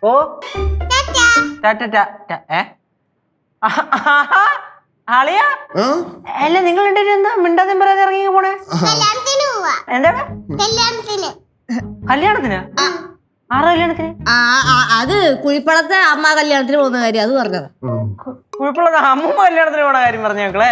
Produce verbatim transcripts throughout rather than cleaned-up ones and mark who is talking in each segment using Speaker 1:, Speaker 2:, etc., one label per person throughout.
Speaker 1: ഓ ആളിയാ അല്ല നിങ്ങൾ എന്താ മിണ്ടാതെ പറയാതെ ഇറങ്ങി പോണേ? എന്താണ് കല്യാണത്തിന്? ആറ് കല്യാണത്തിന്?
Speaker 2: അത് കുഴിപ്പളത്തെ അമ്മ കല്യാണത്തിന് പോകുന്ന കാര്യം അത് പറഞ്ഞത്.
Speaker 1: കുഴിപ്പളത്തെ അമ്മൂമ്മ കല്യാണത്തിന് പോണ കാര്യം പറഞ്ഞു ഞങ്ങളെ.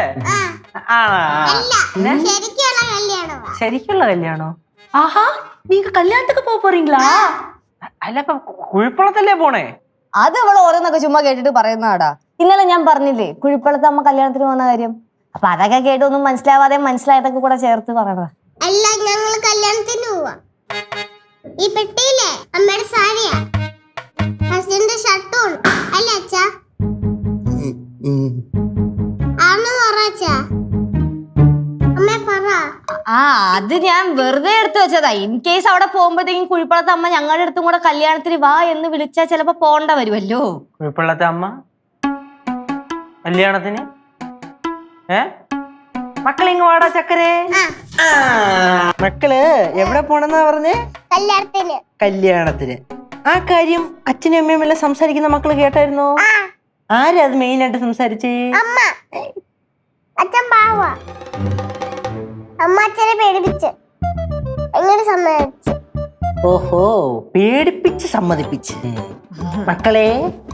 Speaker 1: ശരിക്കുള്ള കല്യാണോ?
Speaker 3: ആഹാ നീങ്ക കല്യാണத்துக்கு പോക പോறீங்களா?
Speaker 1: അല്ല ഇപ്പൊ കുഴിപ്പളത്തല്ലേ പോണേ?
Speaker 2: അത് അവൾ ഓരോന്നൊക്കെ ചുമ്മാ കേട്ടിട്ട് പറയുന്നതാടാ. ഇന്നലെ ഞാൻ പറഞ്ഞില്ലേ കുഴിപ്പളത്തെ അമ്മ കല്യാണത്തിന് പോകുന്ന കാര്യം. അപ്പൊ അതൊക്കെ കേട്ടൊന്നും മനസ്സിലാവാതെ മനസ്സിലായതൊക്കെ കൂടെ ചേർത്ത് പറയണതാ.
Speaker 4: അല്ല ഞങ്ങൾ കല്യാണത്തിന് പോവാ. ഈ പെട്ടിയിലെ അമ്മയുടെ സാരിയാ, ഹസ്ബൻഡിന്റെ ഷർട്ടും അല്ല അച്ഛാ? ആണെന്ന് പറ അച്ഛാ. അമ്മേ പറ.
Speaker 2: ആ അത് ഞാൻ വെറുതെ എടുത്തു വെച്ചതാ. ഇൻ കേസ് അവിടെ പോകുമ്പോഴത്തേക്കും കുഴിപ്പളത്തെ അമ്മ ഞങ്ങളുടെ അടുത്തും കൂടെ കല്യാണത്തിന് വാ എന്ന് വിളിച്ചാൽ ചിലപ്പോ പോണ്ട വരുമല്ലോ.
Speaker 1: കുഴിപ്പള്ളത്തെ അമ്മ കല്യാണത്തിന്? ഏ മക്കളിങ് വാടാ ചക്കരേ. മക്കള് എവിടെ പോണെന്നാ പറഞ്ഞേ?
Speaker 4: കല്യാണത്തിന്.
Speaker 1: കല്യാണത്തിന്. ആ കാര്യം അച്ഛനും അമ്മയും എല്ലാം സംസാരിക്കുന്ന മക്കള് കേട്ടായിരുന്നോ? ആരാ അത് മെയിൻ ആയിട്ട് സംസാരിച്ചേ?
Speaker 4: അമ്മ. അച്ഛൻ പാവാ. അമ്മ അച്ഛനെ പേടിപ്പിച്ച് എങ്ങനെ സമ്മതിച്ചു?
Speaker 1: ഓഹോ പേടിപ്പിച്ച് സമ്മതിപ്പിച്ച്. മക്കളെ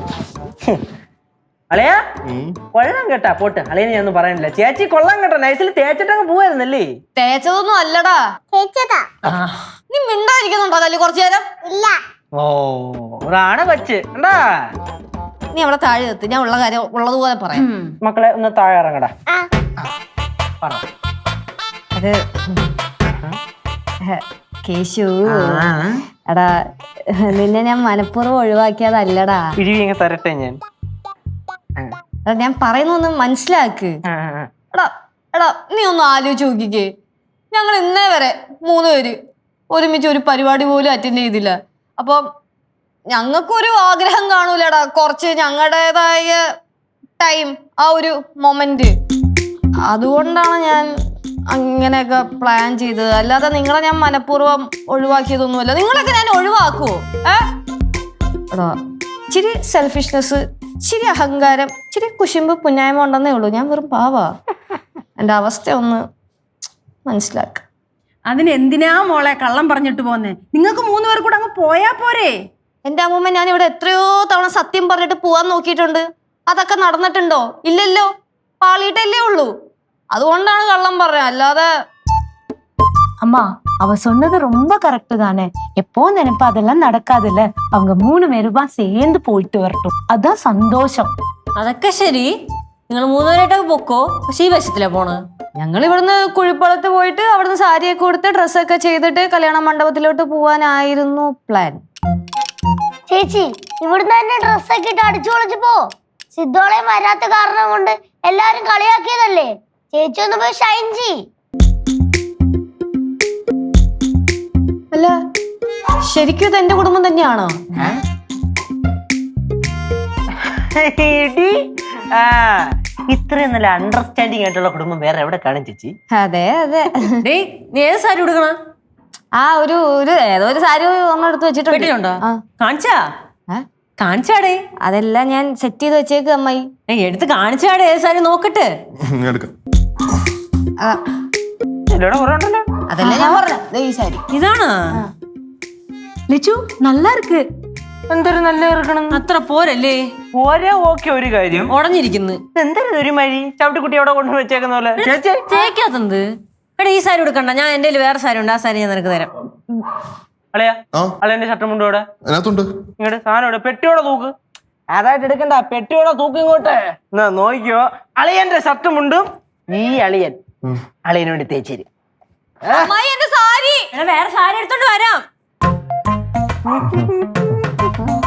Speaker 1: അളയാ കൊള്ളാം കേട്ടാ. പോട്ട് അളയനെ ഞാനൊന്നും പറയാനില്ല. ചേച്ചി കൊള്ളാം കേട്ടോ. നൈസിൽ തേച്ചിട്ടങ്ങ് പോവായിരുന്നല്ലേ?
Speaker 2: തേച്ചതൊന്നും അല്ലടാ.
Speaker 4: തേച്ചതാ.
Speaker 2: നീ മിണ്ടായിരിക്കുന്നുണ്ടോ കല്ല് കുറച്ചു നേരം?
Speaker 4: ഇല്ല.
Speaker 1: ഓ ഒരാണ് വെച്ച് എന്താ?
Speaker 2: നീ അവിടെ താഴെ എത്തി, ഞാൻ ഉള്ള കാര്യം ഉള്ളതുപോലെ പറയാം.
Speaker 1: മക്കളെ ഒന്ന് താഴെ ഇറങ്ങടാ. പറ.
Speaker 2: അത് കേശു എടാ, നിന്നെ ഞാൻ മനഃപൂർവ്വം ഒഴിവാക്കിയതല്ലടാ.
Speaker 1: ഇഴിവിങ്ങ തരട്ടെ ഞാൻ.
Speaker 2: ഞാൻ പറയുന്നൊന്ന് മനസ്സിലാക്ക്. എടാ എടാ നീ ഒന്ന് ആലോചിച്ച് നോക്കിക്കേ. ഞങ്ങൾ ഇന്നേ വരെ മൂന്ന് പേര് ഒരുമിച്ച് ഒരു പരിപാടി പോലും അറ്റൻഡ് ചെയ്തില്ല. അപ്പം ഞങ്ങൾക്കൊരു ആഗ്രഹം കാണൂലടാ, കുറച്ച് ഞങ്ങളുടേതായ ടൈം, ആ ഒരു മൊമെന്റ്. അതുകൊണ്ടാണ് ഞാൻ അങ്ങനെയൊക്കെ പ്ലാൻ ചെയ്തത്. അല്ലാതെ നിങ്ങളെ ഞാൻ മനഃപൂർവ്വം ഒഴിവാക്കിയതൊന്നുമല്ല. നിങ്ങളൊക്കെ ഞാൻ ഒഴിവാക്കുവോ? ഏ എടാ ഇച്ചിരി സെൽഫിഷ്നെസ്, ഇച്ചിരി അഹങ്കാരം, ഇച്ചിരി കുശുമ്പ് പുന്നായ്മ ഉണ്ടെന്നേ ഉള്ളൂ. ഞാൻ വെറും പാവാ. എൻ്റെ അവസ്ഥ ഒന്ന് മനസ്സിലാക്ക.
Speaker 3: അതിന് എന്തിനാ മോളെ കള്ളം പറഞ്ഞിട്ട് പോന്നെ? നിങ്ങൾക്ക് മൂന്ന് പേർ കൂടെ അങ്ങ് പോയാ പോരെ?
Speaker 2: എൻ്റെ അമ്മൂമ്മ ഞാൻ ഇവിടെ എത്രയോ തവണ സത്യം പറഞ്ഞിട്ട് പോവാൻ നോക്കിയിട്ടുണ്ട്. അതൊക്കെ നടന്നിട്ടുണ്ടോ? ഇല്ലല്ലോ. പാളിയിട്ടല്ലേ ഉള്ളൂ. അതുകൊണ്ടാണ് കള്ളം പറഞ്ഞത്. അല്ലാതെ
Speaker 3: அம்மா அவ சொன்னது ரொம்ப கரெக்ட் தானே. எப்போ நினைப்பா அதெல்லாம் நடக்காதுல்ல. அவங்க மூணு பேருமா சேர்ந்து போயிட்டு வரட்டும், அதான் சந்தோஷம்.
Speaker 2: അതൊക്കെ ശരി, നിങ്ങൾ മൂന്നുപേരായിട്ടൊക്കെ പൊക്കോ. പക്ഷെ ഈ വശത്തിലാ പോണ്. ഞങ്ങൾ ഇവിടുന്ന് കുഴിപ്പളത്ത് പോയിട്ട് അവിടുന്ന് സാരിയൊക്കെ കൊടുത്ത് ഡ്രസ്സൊക്കെ ചെയ്തിട്ട് കല്യാണ മണ്ഡപത്തിലോട്ട് പോവാനായിരുന്നു പ്ലാൻ.
Speaker 4: ചേച്ചി ഇവിടുന്ന് തന്നെ ഡ്രസ്സൊക്കെ ഇട്ട് അടിച്ചു പൊളിച്ചു പോ. സിദ്ധോളയും വരാത്ത കാരണം കൊണ്ട് എല്ലാരും കളിയാക്കിയതല്ലേ. ചേച്ചി ഒന്ന് പോയി ഷൈൻ ചെയ്.
Speaker 2: അല്ല ശരിക്കും ഇത് എന്റെ കുടുംബം തന്നെയാണോ?
Speaker 1: ഇത്രയും നല്ല അണ്ടർസ്റ്റാൻഡിങ് ആയിട്ടുള്ള കുടുംബം വേറെ എവിടെ കാണും ചേച്ചി?
Speaker 2: അതെ അതെ. നീ ഏത് സാരി ഉടുക്കണ? ആ ഒരു ഒരു ഏതോ ഒരു സാരി ഒന്നും എടുത്ത് വെച്ചിട്ടുണ്ടോ?
Speaker 5: കാണിച്ചാ കാണിച്ചാടേ?
Speaker 2: അതെല്ലാം ഞാൻ സെറ്റ് ചെയ്ത് വെച്ചേക്ക് അമ്മായി.
Speaker 5: എടുത്ത് കാണിച്ചാടേ ഏത് സാരി നോക്കട്ടെ.
Speaker 2: അതല്ല ഞാൻ പറഞ്ഞ ഈ സാരി
Speaker 5: ഇതാണ്.
Speaker 3: ലിച്ചു நல்லா இருக்கு.
Speaker 1: എന്തൊരു നല്ല ഇറക്കണം.
Speaker 5: അത്ര പോരല്ലേ?
Speaker 1: പോരാ. ഓക്കെ ഒരു കാര്യം
Speaker 5: ഉടഞ്ഞിരിക്കുന്നു.
Speaker 1: എന്തൊരു ഒരു മഴി ചവിട്ടിക്കുട്ടി അവിടെ കൊണ്ടു വെച്ചേക്കുന്ന പോലെ.
Speaker 5: തേക്കാത്തത് എടാ. ഈ സാരി എടുക്കണ്ട, ഞാൻ എന്റെ വേറെ സാരി ഉണ്ട്, ആ സാരി ഞാൻ നിനക്ക് തരാം.
Speaker 1: അളയാ അളയന്റെ ഷർട്ടും മുണ്ടും ഇവിടെ ഇങ്ങോട്ട് സാധനം ഇവിടെ പെട്ടിയോടെ തൂക്ക്. അതായിട്ട് എടുക്കണ്ട, പെട്ടിയോടെ തൂക്ക് ഇങ്ങോട്ട്. എന്നാ നോക്കിയോ അളിയന്റെ ഷർട്ടും മുണ്ടും ഈ അളിയൻ അളിയന് വേണ്ടി തേച്ചേരി.
Speaker 5: വേറെ സാരി എടുത്തോണ്ട് വരാം.